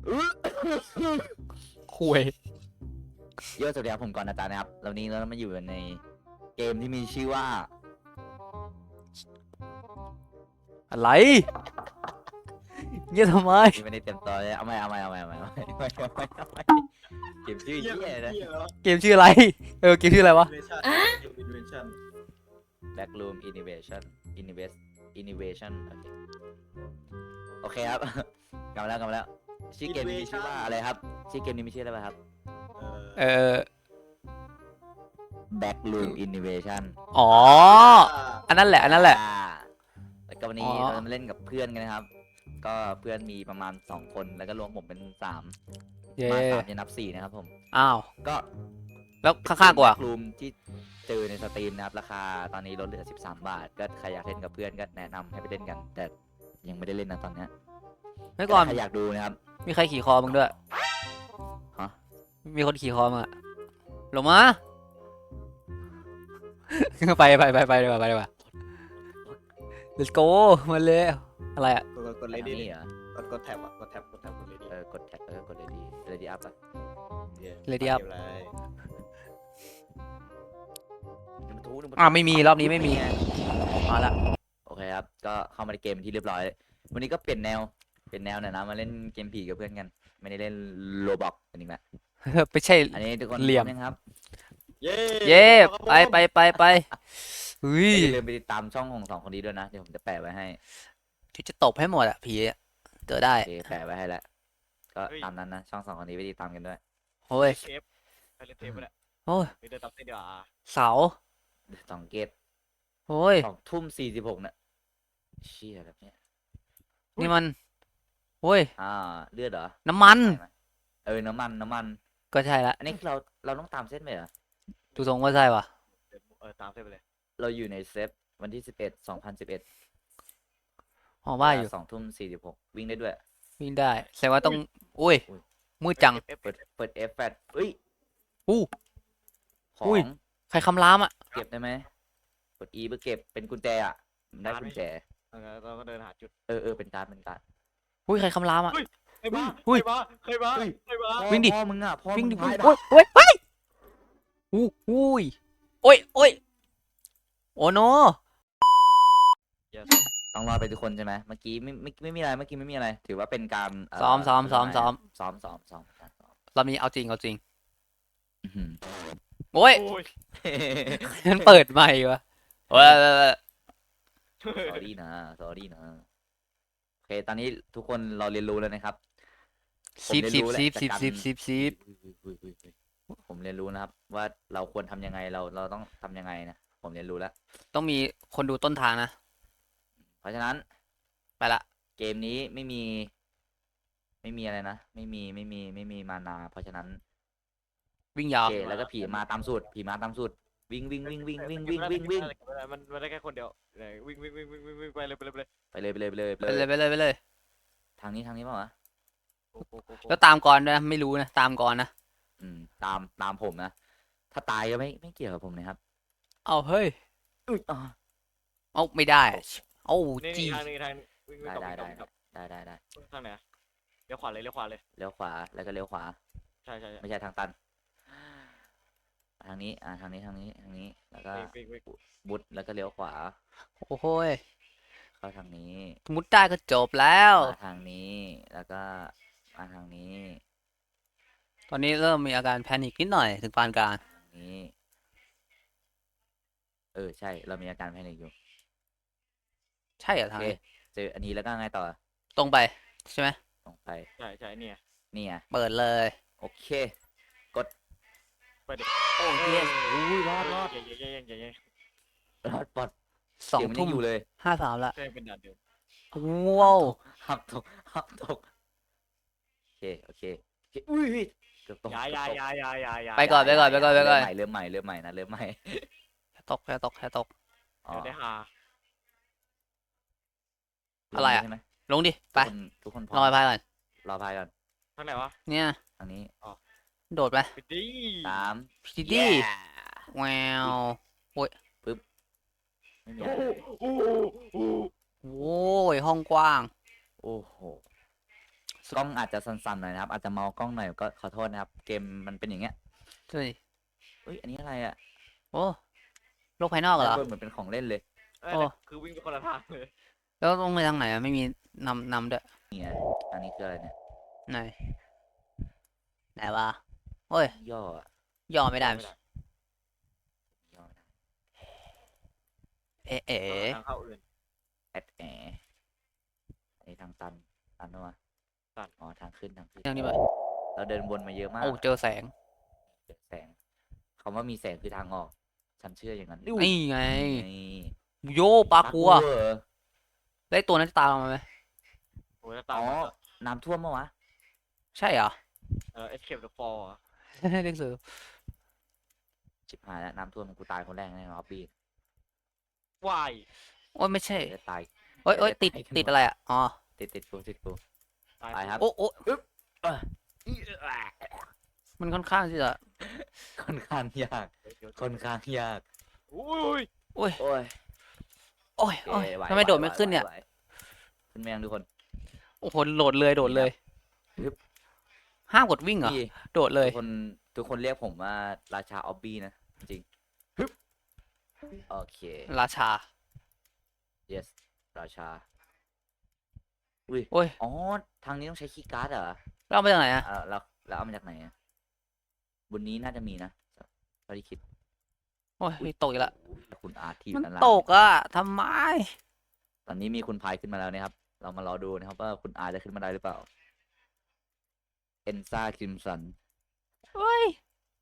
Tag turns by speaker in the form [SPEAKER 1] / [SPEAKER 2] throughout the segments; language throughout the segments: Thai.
[SPEAKER 1] คุย
[SPEAKER 2] เยอะสวัสดีครับผมก่อนอาจารย์นะครับแล้วนี้เรามาอยู่ในเกมที่มีชื่อว่า
[SPEAKER 1] อะไรเงี้ยทำไม
[SPEAKER 2] ที่ไม่ได้เต็มตัวเลยเอาไม่เกมชื่อเหี้ยนะ
[SPEAKER 1] เกมชื่ออะไรเกมชื่ออะไรวะ
[SPEAKER 3] Invention
[SPEAKER 2] Backroom Innovation โอเคครับ กลับมาแล้วชื่อเกมนี้มีชื่อว่าอะไรครับชื่อเกมนี้มีชื่ออะไรครับ
[SPEAKER 1] เออ
[SPEAKER 2] Backroom Innovation
[SPEAKER 1] อ๋ออันนั้นแหละอันนั้นแหละ
[SPEAKER 2] แล้วก็วันนี้
[SPEAKER 1] อ๋อ
[SPEAKER 2] เราจะมาเล่นกับเพื่อนกันนะครับ ก็เพื่อนมีประมาณ2คนแล้วก็รวมผมเป็น3
[SPEAKER 1] เย่
[SPEAKER 2] มา3จะนับ4นะครับผม
[SPEAKER 1] อ้าว
[SPEAKER 2] ก็
[SPEAKER 1] แล้วข้างๆกูอ่ะ
[SPEAKER 2] รูมที่เจอในสตรีมนะครับราคาตอนนี้ลดเหลือ13 บาท ก็ใครอยากเล่นกับเพื่อนก็แนะนำให้ไปเล่นกัน แต่ยังไม่ได้เล่นนะตอนเนี้ย
[SPEAKER 1] ไม่ก่อน
[SPEAKER 2] ใครอยากดูนะครับ
[SPEAKER 1] มีใครขี่คอมึงด้วย
[SPEAKER 2] ฮะ
[SPEAKER 1] มีคนขี่คอมึงอะลงมา ไปดีกว่า let's go มาเลยอะไรอะ
[SPEAKER 3] กด
[SPEAKER 2] อะไร
[SPEAKER 3] เลดี้
[SPEAKER 2] นี่เหรอก
[SPEAKER 3] ดแท็บอ่ะกดแท็บกดเลดี้
[SPEAKER 2] กดแท็บแล้วก็กดเลดี้อัพอ่ะ
[SPEAKER 1] Lady Up
[SPEAKER 2] อ่ะ
[SPEAKER 1] ไม่มีรอบนี้ไม่มีมาละ
[SPEAKER 2] โอเคครับ ก็เข้ามาในเกมที่เรียบร้อย วันนี้ก็เปลี่ยนแนวหน่อยนะ มาเล่นเกมผีกับเพื่อนกัน ไม่ได้เล่นโลบอกกันอีกแล้ว
[SPEAKER 1] ไม่ใช่
[SPEAKER 2] อันนี้ทุกคน
[SPEAKER 1] เหลี่ยม
[SPEAKER 2] พร้อยังครับ
[SPEAKER 3] เย้
[SPEAKER 1] เย่ไปเฮ้ย
[SPEAKER 2] อย่าลืมไปติดตามช่องของ2 คนนี้ด้วยนะ เดี๋ยวผมจะแปะไว้ให้
[SPEAKER 1] ที่จะตบให้หมดอะผีอะเจอได้
[SPEAKER 2] โอเคแปะไว้ให้แล้ว ก็ตามนั้นนะ ช่อง2 คนนี้ไปติดตามกันด้วย
[SPEAKER 1] โอ้ย
[SPEAKER 3] เทปไปเล่นเทปไปแหละ
[SPEAKER 1] โอ้ย
[SPEAKER 3] ไปเดินตับเส้นเดียวอ่ะ
[SPEAKER 1] เสา
[SPEAKER 2] 2 เกต
[SPEAKER 1] โอ้ย
[SPEAKER 2] 2:46เนี่ยเชี่ยแบบเนี้ย
[SPEAKER 1] นี่มันโอ้ย
[SPEAKER 2] เลือดเหรอ
[SPEAKER 1] น้ำมัน
[SPEAKER 2] ใช่ไหมน้ำมัน
[SPEAKER 1] ก็ใช่ละ
[SPEAKER 2] อันนี้คือเราต้องตามเส้นไปเหรอ
[SPEAKER 1] ดูทรงว่าใช่ปะ
[SPEAKER 3] ตามเส้นไปเลย
[SPEAKER 2] เราอยู่ในเซฟวันที่2011
[SPEAKER 1] อ๋อว่าอยู่
[SPEAKER 2] 2:46วิ่งได้ด้วย
[SPEAKER 1] วิ่งได้แสดงว่าต้องอุ้ย
[SPEAKER 2] อุ้ย
[SPEAKER 1] มืดจัง
[SPEAKER 2] เปิด F แฟดเอ้ย
[SPEAKER 1] อู้
[SPEAKER 2] ขอ
[SPEAKER 1] อุ้ย
[SPEAKER 2] ง
[SPEAKER 1] ใครคำรามอะ
[SPEAKER 2] เก็บได้ไหมกด E เพื่อเก็บเป็นกุญแจอ่ะมันได้กุญแจ
[SPEAKER 3] เราก็เดินหาจุด
[SPEAKER 2] เป็นการ์ด
[SPEAKER 1] อุ้ยใครคำรามอะ
[SPEAKER 3] ใครบ้า
[SPEAKER 1] อุ้ย
[SPEAKER 3] ใครบ้า
[SPEAKER 1] วิ่งดิ
[SPEAKER 2] พ่อมึงอ่ะพ่อ
[SPEAKER 1] วิ่ง
[SPEAKER 2] มึ
[SPEAKER 1] ดิ
[SPEAKER 2] ง
[SPEAKER 1] วิ่ง
[SPEAKER 2] พาย
[SPEAKER 1] โอ้ยโอ้ยเฮ้ยอุ้ยโอ้ยโอ้ยโอ้โน
[SPEAKER 2] ต้องรอไปทุกคนใช่ไหมเมื่อกี้ไม่มีอะไรเมื่อกี้ไม่มีอะไร ถือว่าเป็นการ
[SPEAKER 1] ซ้อม รอบนี้เอาจริง
[SPEAKER 2] อื้อหือ
[SPEAKER 1] โอ้ย
[SPEAKER 3] โอ้ย
[SPEAKER 1] มันเปิดใหม่วะโอ้ย
[SPEAKER 2] sorry นะ โอเค ตอนนี้ทุกคนเราเรียนรู้แล้วนะครับ
[SPEAKER 1] ซิบ
[SPEAKER 2] อุ้ยผมเรียนรู้นะครับ ว่าเราควรทำยังไงเราต้องทำยังไงนะผมเรียนรู้แล้ว
[SPEAKER 1] ต้องมีคนดูต้นทางนะ
[SPEAKER 2] เพราะฉะนั้น
[SPEAKER 1] ไปละ
[SPEAKER 2] เกมนี้ไม่มีอะไรนะไม่มีมานา เพราะฉะนั้น
[SPEAKER 1] วิ่งยาว
[SPEAKER 2] โอเคแล้วก็ผีมาตามสูตรวิ่ง
[SPEAKER 3] มันได้แค่คนเดียววิ่งไปเลย
[SPEAKER 2] ไปเลย
[SPEAKER 1] ไปเลย
[SPEAKER 2] ทางนี้เปล่าวะ
[SPEAKER 1] แล้วตามก่อนด้วยนะไม่รู้นะตามก่อนนะ
[SPEAKER 2] ตามผมนะ ถ้าตายก็ไม่เกี่ยวกับผมนะครับ
[SPEAKER 1] เอาเฮ้ย
[SPEAKER 2] อุ้ยอ๋อ
[SPEAKER 1] เอาไม่ได้เอา
[SPEAKER 3] นี่
[SPEAKER 1] จี
[SPEAKER 3] ทางนี้วิ่ง
[SPEAKER 2] ได้
[SPEAKER 3] ทางไหนเลี้ยวขวาเลย
[SPEAKER 2] เลี้ยวขวาแล้วก็เลี้ยวขวา
[SPEAKER 3] ใช่
[SPEAKER 2] ไม่ใช่ทางตัน ทางนี้ทางนี้แล้วก็บุดแล้วก็เลี้ยวขวา
[SPEAKER 1] โอ้โหย
[SPEAKER 2] เข้าทางนี้
[SPEAKER 1] มุดได้ก็จบแล้ว
[SPEAKER 2] มาทางนี้แล้วก็มาทางนี้
[SPEAKER 1] ตอนนี้เริ่มมีอาการแพนิคนิดหน่อยถึงปานกลาง
[SPEAKER 2] ทางนี้ใช่เรามีอาการแพนิคอยู่
[SPEAKER 1] ใช่เหรอ
[SPEAKER 2] โอ
[SPEAKER 1] ทาง
[SPEAKER 2] เค
[SPEAKER 1] นี้
[SPEAKER 2] เจออันนี้แล้วก็ไงต่อ
[SPEAKER 1] ตรงไปใช่ไหม
[SPEAKER 2] ลงไป
[SPEAKER 3] ใช่เนี่ย
[SPEAKER 2] นี่ไง
[SPEAKER 1] เปิดเลย
[SPEAKER 2] โอเค
[SPEAKER 3] ไปดิ
[SPEAKER 1] โอ้ย
[SPEAKER 2] อุ้ยรอด
[SPEAKER 3] เย้
[SPEAKER 2] รอดปลอด
[SPEAKER 1] สอง
[SPEAKER 2] เสียมันยั
[SPEAKER 1] ทุ่ม
[SPEAKER 2] อยู่เลย
[SPEAKER 1] 53ละ
[SPEAKER 3] ใช่เป็นด่านเดิม
[SPEAKER 1] ว้าว
[SPEAKER 2] หับตกโอเคอุ้ยเกือบตก
[SPEAKER 3] ยา
[SPEAKER 1] ไปก่อน
[SPEAKER 2] เริ่มใหม่นะเริ่มใหม่
[SPEAKER 1] แค่ตก
[SPEAKER 2] อ๋อ
[SPEAKER 3] เดี๋ยวได้หา
[SPEAKER 1] อะไรอะ
[SPEAKER 2] ใช่ไหม
[SPEAKER 1] ลงดิไป
[SPEAKER 2] ทุกคน
[SPEAKER 1] รอไปก่อน
[SPEAKER 2] รอพายก่อน
[SPEAKER 3] ทางไหนวะ
[SPEAKER 1] เนี่ย
[SPEAKER 2] ทางนี้
[SPEAKER 1] โดดไป
[SPEAKER 3] ไปดิ
[SPEAKER 2] 3
[SPEAKER 1] พีดี้
[SPEAKER 2] Yeah
[SPEAKER 1] แวว
[SPEAKER 2] ไม่มีอะไร
[SPEAKER 3] โอ้
[SPEAKER 1] โว้ยห้องกว้าง
[SPEAKER 2] โอ้โห
[SPEAKER 1] ส
[SPEAKER 2] กล้องอาจจะสั่นๆหน่อยนะครับ อาจจะเมากล้องหน่อยก็ขอโทษนะครับ เกมมันเป็นอย่างเงี้ย
[SPEAKER 1] ช่วย
[SPEAKER 2] เอ้ยอันนี้อะไรอ่ะ
[SPEAKER 1] โอ้โลกภายนอกเหรอ
[SPEAKER 2] ด้านบนเหมือนเป็นของเล่นเลย
[SPEAKER 3] เออ
[SPEAKER 1] โอ้
[SPEAKER 3] คือวิ่งไปคนละทางเลย
[SPEAKER 1] แล้วต้องไปทางไหนอะไม่มีนำด้วย
[SPEAKER 2] เนี่ยอันนี้คืออะไรเนี่ย
[SPEAKER 1] ไหนไหนวะโอ้ย
[SPEAKER 2] ย่ออะ
[SPEAKER 1] ย่อไม่ได้
[SPEAKER 3] ไม่ได้
[SPEAKER 2] ย่อไม่ได้
[SPEAKER 1] เอ๋เอ๋
[SPEAKER 3] ทางเข้าอื่น
[SPEAKER 2] แอดแออันนี้ทางตันด้วย
[SPEAKER 3] ตัน
[SPEAKER 2] อ๋อทางขึ้น
[SPEAKER 1] ทางนี้ไป
[SPEAKER 2] เราเดินวนมาเยอะมาก
[SPEAKER 1] โอ้เจอแสง
[SPEAKER 2] เจอแสงคำว่ามีแสงคือทางออก ฉันเชื่ออย่างนั้น
[SPEAKER 1] นี่ไง
[SPEAKER 2] นี่
[SPEAKER 1] โยปลากัว
[SPEAKER 2] เหรอ
[SPEAKER 1] ได้ตัวนั้นจะตามมาไหม
[SPEAKER 3] โอ้ยแล้วตาม
[SPEAKER 2] อ๋อ
[SPEAKER 3] มา
[SPEAKER 2] น้ำท่วมมาวะ
[SPEAKER 1] ใช่เหรอ
[SPEAKER 3] Escape the Fall อะ
[SPEAKER 1] เด็กสือ
[SPEAKER 2] ชิบหายแล้วน้ำท่วมกูตายคนแรกแน่นอนออบบี้
[SPEAKER 3] วาย
[SPEAKER 1] โอ้ยไม่ใช่
[SPEAKER 2] จะตาย
[SPEAKER 1] โอ้ยโอ้ยติด
[SPEAKER 2] เดี๋ยว
[SPEAKER 1] ติดอะไรอ่ะอ๋อ
[SPEAKER 2] ติดกู
[SPEAKER 3] ตาย
[SPEAKER 2] ไปครับ
[SPEAKER 1] โอ้โอ้มันค่อนข้างที่จะ
[SPEAKER 2] ค่อนข้างยาก
[SPEAKER 3] เดี๋ยว
[SPEAKER 2] ค่อนข้างยาก
[SPEAKER 3] อุ้ย
[SPEAKER 1] โอ้ย
[SPEAKER 2] โอ้ย
[SPEAKER 1] โอ้ยโอ้ย
[SPEAKER 2] โอเคหว
[SPEAKER 1] ทำไมโดดไม่
[SPEAKER 2] หว
[SPEAKER 1] ขึ้นเนี่ย
[SPEAKER 2] ไหวขึ้นแมงทุกคน
[SPEAKER 1] โอ้โหโดดเลยโดดเลย
[SPEAKER 2] ฮึบ
[SPEAKER 1] ห้ามกดวิ่งเหรอ
[SPEAKER 2] พี่
[SPEAKER 1] โดดเลย
[SPEAKER 2] ทุกคนเรียกผมว่าราชาออบบี้นะ จริงฮึบโอเค
[SPEAKER 1] ราชา
[SPEAKER 2] yes ราชา อุ้ย
[SPEAKER 1] โอ้ย
[SPEAKER 2] อ๋อ ทางนี้ต้องใช้คีย์การ์ดเหรอ
[SPEAKER 1] เราไปทางไหนอ่ะ
[SPEAKER 2] แล้วเอามาจากไหนอะบนนี้น่าจะมีนะเท่าที่คิด
[SPEAKER 1] โอ้ยตกอีกแล้ว
[SPEAKER 2] คุณอาร์ตที่อ
[SPEAKER 1] มั
[SPEAKER 2] ยู่
[SPEAKER 1] น
[SPEAKER 2] ด้านล่าง
[SPEAKER 1] ตกอ่ะทำไม
[SPEAKER 2] ตอนนี้มีคุณพายขึ้นมาแล้วนะครับ เรามารอดูนะครับว่าคุณอาร์ตจะขึ้นมาได้หรือเปล่า เอนซ่าคิมสัน
[SPEAKER 1] เฮ้ย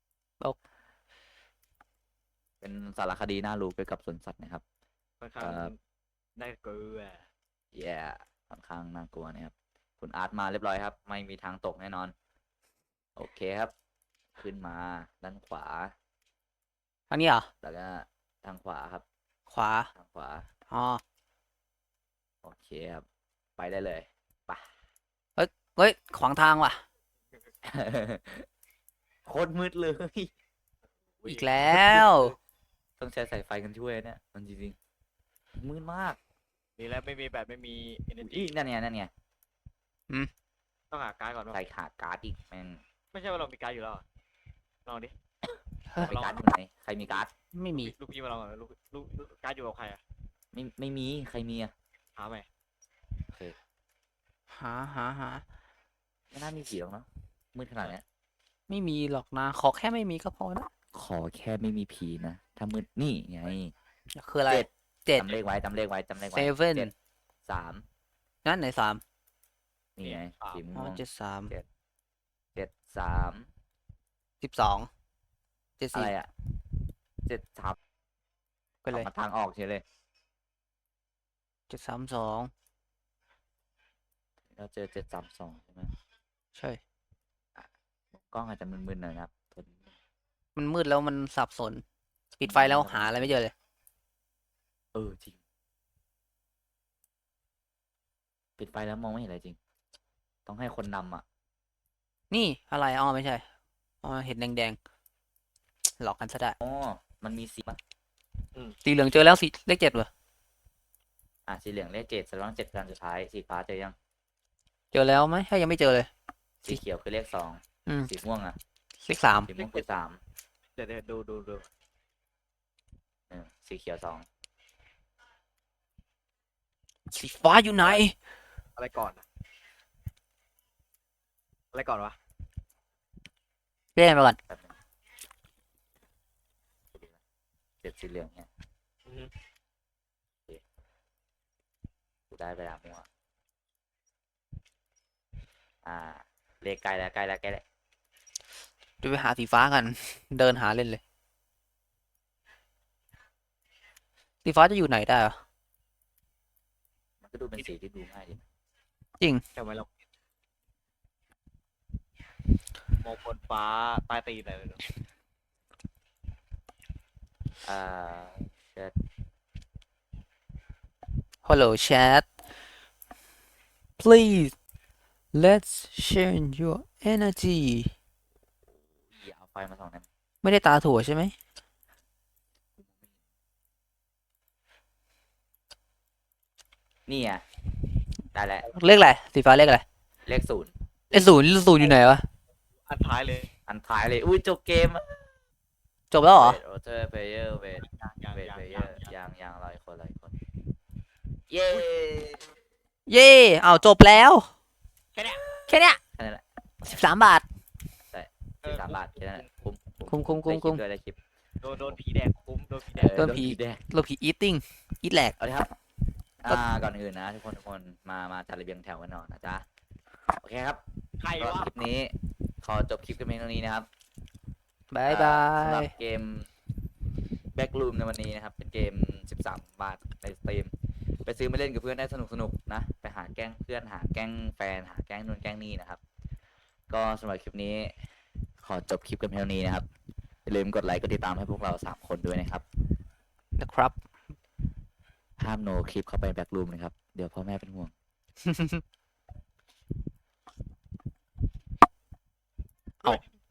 [SPEAKER 2] เป็นสารคดีน่ารู้เกี่ยวกับสวนสัตว์นะครับ
[SPEAKER 3] ค่อนข้างได้เกลือ
[SPEAKER 2] แย่ค่อนข้างน่ากลัวนะครับ คุณอาร์ตมาเรียบร้อยครับ ไม่มีทางตกแน่นอน โอเคครับ ขึ้นมาด้านขวา
[SPEAKER 1] ทางนี้เหรอ
[SPEAKER 2] แล้วก็ทางขวาครับ
[SPEAKER 1] ขวา
[SPEAKER 2] ทางขวา
[SPEAKER 1] อ๋อ
[SPEAKER 2] โอเคครับ ไปได้เลยไป
[SPEAKER 1] เฮ้ยขวางทางว่ะ
[SPEAKER 2] โคตรมืดเลย
[SPEAKER 1] อีกแล้ว
[SPEAKER 2] ต้องใช้สายไฟกันช่วยเนี่ยมันจริงๆมืดมาก
[SPEAKER 3] นี่แล้วไม่มีแบบไม่มี energy
[SPEAKER 2] อีนั่นไง
[SPEAKER 3] ต้องหาการ์ดก่อนว่า
[SPEAKER 2] ใส่ขาการ์ดอีกแม่ง
[SPEAKER 3] ไม่ใช่ว่าเรามีการ์ดอยู่แล้วอะลองดิ
[SPEAKER 2] มีการ์ดอยู่ไหนใครมีการ์ด
[SPEAKER 1] ไม่มี
[SPEAKER 3] ลูกพี่มาลองก่อนลูกการ์ดอยู่กับใครอะ
[SPEAKER 2] ไม่มีใครมีอ่ะ
[SPEAKER 3] หาไหม
[SPEAKER 2] โอเค
[SPEAKER 1] หา
[SPEAKER 2] ไม่น่ามีผีหรอกเนาะมืดขนาดเนี้ย
[SPEAKER 1] ไม่มีหรอกนะ ขอแค่ไม่มีก็พอนะ
[SPEAKER 2] ขอแค่ไม่มีผีนะถ้ามืดนี่ไง
[SPEAKER 1] คืออะไร
[SPEAKER 2] เจ็ด
[SPEAKER 1] 7
[SPEAKER 2] จำเลขไว้จำเลขไว้
[SPEAKER 1] Seven
[SPEAKER 2] เจ็ดสาม
[SPEAKER 1] นั่นไหน3
[SPEAKER 2] นี่ไงสี
[SPEAKER 1] อ๋
[SPEAKER 2] ม่
[SPEAKER 1] อ
[SPEAKER 2] วง
[SPEAKER 1] 73
[SPEAKER 2] เจ็ดสาม
[SPEAKER 1] 12
[SPEAKER 2] อะไร
[SPEAKER 1] 74
[SPEAKER 2] อ่ะเจ็ดสาม
[SPEAKER 1] ไปเลย
[SPEAKER 2] มาทางออกเฉยเลย
[SPEAKER 1] 732
[SPEAKER 2] เราเจอ732ใช่ไหม
[SPEAKER 1] ใช่
[SPEAKER 2] กล้องอาจจะมึนๆหน่อยนะครับ
[SPEAKER 1] มันมืดแล้วมันสับสน ปิดไฟแล้วหาอะไรไม่เจอเลย
[SPEAKER 2] จริงปิดไฟแล้วมองไม่เห็นอะไรจริง ต้องให้คนนำอ่ะ
[SPEAKER 1] นี่อะไรอ๋อไม่ใช่ อ๋อเห็นแดงๆ หลอกกันซะได้
[SPEAKER 2] อ๋อมันมีสีป่ะ
[SPEAKER 1] สีเหลืองเจอแล้วสีเลข7เหรอ
[SPEAKER 2] สีเหลืองเลข7แสดงว่า7คืออันสุดท้ายสีฟ้าเจอยัง
[SPEAKER 1] เจอแล้วไหมถ้ายังไม่เจอเลย
[SPEAKER 2] สีเขียวคือเลข2
[SPEAKER 1] อืม
[SPEAKER 2] สีม่วงอ่ะ
[SPEAKER 1] เลข3
[SPEAKER 2] สีม่วงคือ3
[SPEAKER 3] เดี๋ยวดู
[SPEAKER 2] สีเขียว2
[SPEAKER 1] สีฟ้าอยู่ไหน
[SPEAKER 3] อะไรก่อนอะอะไรก่อนวะ
[SPEAKER 1] เล่นไปก่อน
[SPEAKER 2] แบบนึงสีเหลืองเนี่ย
[SPEAKER 3] อือฮึ
[SPEAKER 2] กูได้เวลาม่วงเลขใกล้แล้ว
[SPEAKER 1] จะไปหาสีฟ้ากัน เดินหาเล่นเลย สีฟ้าจะอยู่ไหนได้อะ
[SPEAKER 2] มันก็ดูเป็นสีที่ดูง่ายดี
[SPEAKER 3] ทำไมเรามองบนฟ้าใต้ตีนอะไรเลย
[SPEAKER 2] เชิด
[SPEAKER 1] Hello chat please let's share your energy
[SPEAKER 2] อย่าเอาไฟมาส่องนะ
[SPEAKER 1] ไม่ได้ตาถั่วใช่ไหม
[SPEAKER 2] นี่ได้แล้ว
[SPEAKER 1] เลขอะไร สีฟ้าเลขอะไร
[SPEAKER 2] เลข0
[SPEAKER 1] ไอ้ศูนย์อยู่ไหนวะ
[SPEAKER 3] อันท้ายเลย
[SPEAKER 2] อันท้ายเลยอุ้ยจบเกม
[SPEAKER 1] จบแล้วเหรอ
[SPEAKER 2] โรเจอร์เพเยอร์เวท
[SPEAKER 3] ยัง
[SPEAKER 2] เวท
[SPEAKER 3] ยัง
[SPEAKER 2] เพเย
[SPEAKER 3] ยั
[SPEAKER 2] อง ร์ยังรออีกคนเย้
[SPEAKER 1] เย่เอาจบแล้ว
[SPEAKER 3] แค่เนี้ย
[SPEAKER 1] แค่เนี้ย
[SPEAKER 2] แค่นั้นแหละ
[SPEAKER 1] 13 บาท
[SPEAKER 2] 13 บาทแค่นั้นแหละคุ้ม
[SPEAKER 1] คุ้ม
[SPEAKER 2] ได้คลิป
[SPEAKER 3] โดนผีแดกคุ้มโดนผีแดก
[SPEAKER 1] โดนผี
[SPEAKER 2] แดง
[SPEAKER 1] โลผีอีทติ้งอีทแหลก
[SPEAKER 2] เอาเลยครับก่อนอื่นนะทุกคนมาจัดระเบียงแถวกันหน่อยนะจ๊ะโอเคครับ
[SPEAKER 3] ใคร
[SPEAKER 2] ก็
[SPEAKER 3] วะ
[SPEAKER 2] คลิปนี้ขอจบคลิปกันเพียงเท่านี้นะครับ
[SPEAKER 1] บายบา
[SPEAKER 2] สำหรั
[SPEAKER 1] ย
[SPEAKER 2] บเกม Backroom ในวันนี้นะครับ เป็นเกม 13 บาทในสตรีมไปซื้อมาเล่นกับเพื่อนได้สนุกนะ ไปหาแกล้งเพื่อนหาแกล้งแฟนหาแกล้งนู่นแกล้งนี่นะครับ ก็สำหรับคลิปนี้ขอจบคลิปกันเพียงเท่านี้นะครับอย่าลืมกดไลค์กดติดตามให้พวกเรา3คนด้วยนะครับ
[SPEAKER 1] นะครับ
[SPEAKER 2] ห้ามโนคลิปเข้าไป Backroom นะครับ เดี๋ยวพ่อแม่เป็นห่วง
[SPEAKER 1] เอา